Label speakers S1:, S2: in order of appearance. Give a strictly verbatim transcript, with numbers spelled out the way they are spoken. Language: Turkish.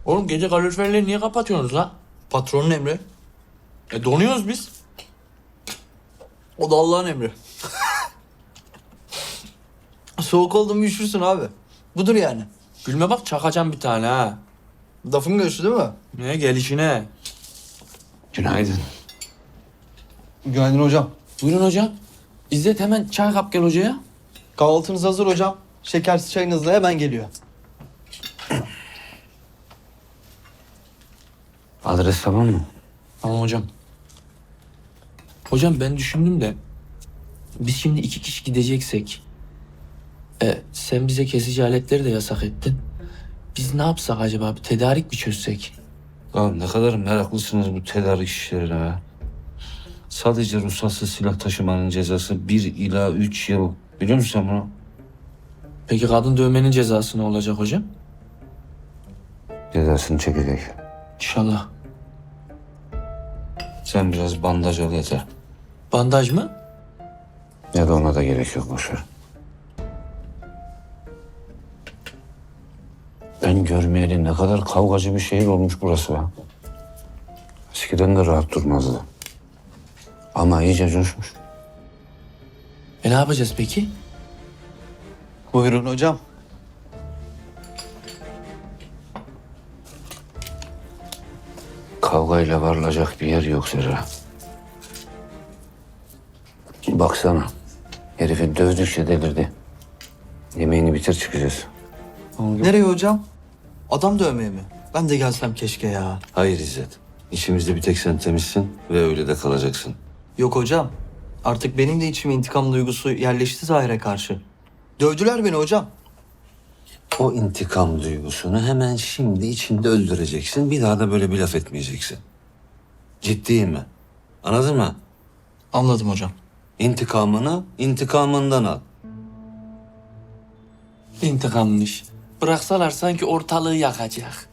S1: Oğlum gece kaloriferleri niye kapatıyorsunuz la?
S2: Patronun emri.
S1: E donuyoruz biz.
S2: O da Allah'ın emri. Soğuk oldu mu üşürsün abi. Budur yani.
S1: Gülme bak çakacağım bir tane ha.
S2: Lafın göğsü değil mi?
S1: Ne gelişine.
S3: Günaydın.
S2: Günaydın hocam.
S1: Buyurun hocam. İzzet hemen çay kap gel hocaya.
S2: Kahvaltınız hazır hocam. Şekersiz çayınız da hemen geliyor.
S3: Adres tamam mı?
S1: Tamam hocam. Hocam ben düşündüm de biz şimdi iki kişi gideceksek e, sen bize kesici aletleri de yasak ettin. Biz ne yapsak acaba? Bir tedarik mi çözsek?
S3: Ya ne kadar meraklısınız bu tedarik işlerine ha. Sadece ruhsatsız silah taşımanın cezası bir ila üç yıl. Biliyor musun sen bunu?
S1: Peki kadın dövmenin cezası ne olacak hocam?
S3: Cezasını çekecek.
S1: İnşallah.
S3: Sen biraz bandaj al yeter.
S1: Bandaj mı?
S3: Ya da ona da gerek yok boş ver. Ben görmeyeli ne kadar kavgacı bir şehir olmuş burası ya. Eskiden de rahat durmazdı. Ama iyice coşmuş.
S1: E ne yapacağız peki?
S2: Buyurun hocam.
S3: Kavgayla varılacak bir yer yok Zerra. Baksana. Herifi dövdükçe delirdi. Yemeğini bitir çıkacağız.
S2: Nereye hocam? Adam dövmeye mi? Ben de gelsem keşke ya.
S3: Hayır İzzet. İçimizde bir tek sen temizsin ve öyle de kalacaksın.
S2: Yok hocam. Artık benim de içime intikam duygusu yerleşti Zahir'e karşı. Dövdüler beni hocam.
S3: O intikam duygusunu hemen şimdi içinde öldüreceksin. Bir daha da böyle bir laf etmeyeceksin. Ciddiyim mi? Anladın mı?
S2: Anladım hocam.
S3: İntikamını intikamından al.
S1: İntikammış. Bıraksalar sanki ortalığı yakacak.